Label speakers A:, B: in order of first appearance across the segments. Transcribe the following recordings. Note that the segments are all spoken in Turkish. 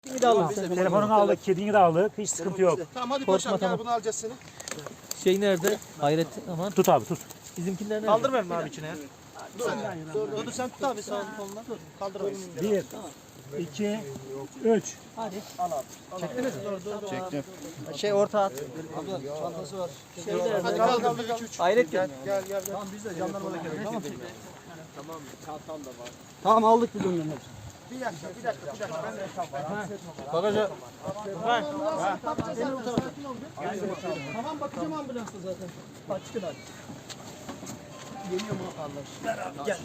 A: Kedini de alın.
B: Telefonunu aldık, kedini de aldık. Hiç sıkıntı yok.
C: Tamam hadi
A: Korkma,
C: paşam gel
A: tamam.
C: bunu alacağız seni.
A: Şey nerede? Hayret aman.
B: Tut abi tut.
A: Bizimkiler nerede?
D: Kaldırmayalım abi içine ya.
C: Dur sen tut abi sağ koluna. Kaldır abi.
B: 1, 2, 3.
A: Hadi.
C: Çektiniz mi?
D: Çektim.
A: Şey orta at.
C: Abla çantası var.
A: Şey nerede?
C: Hadi kaldır 1 2 3.
A: Hayret gel.
C: Gel. Tamam biz de jandarmada gelelim. Tamam.
D: Tamam aldık bir dönem hepsini.
C: Bir dakika. Ben de hesap var.
D: Bagaja.
C: Tamam bakacağım ambulansta zaten. Açıkın hadi. Geliyor mu Allah? Gel.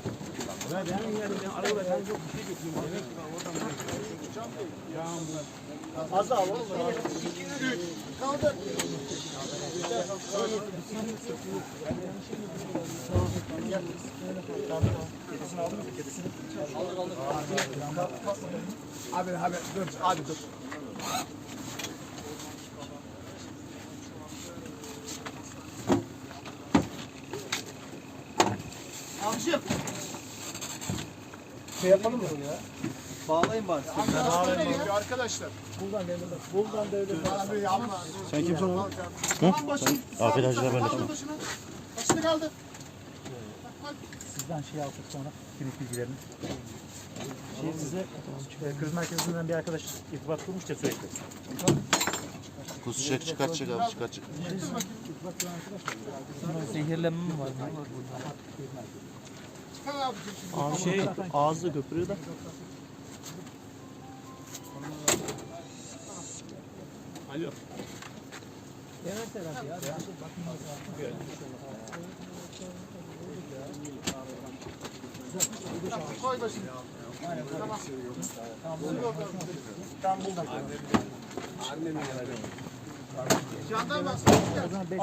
C: Az daha oğlum. 2 3 kaldır.
B: Kedisini aldın mı? Kedisini.
C: Abi dur. Abi dur. Abicim. Şey yapalım mı ya?
A: Bağlayın bari.
C: Arkadaşlar. Buradan devlet. Abi yapma.
D: Sen kimsin oğlum?
C: Tamam başım.
D: Afiyet hacılar ben de.
C: Başını kaldı.
B: Sizden şey aldık sonra. Kimlik bilgilerini. Size kriz merkezinden bir arkadaş irtibat kurmuş ya sürekli.
D: Kuzu çıkar abi çıkar.
A: Zehirlenme mi var?
C: Abi
A: Şey ağzı köpürüyor da.
B: Alo.
C: koy başını. Tamam. Jandarma.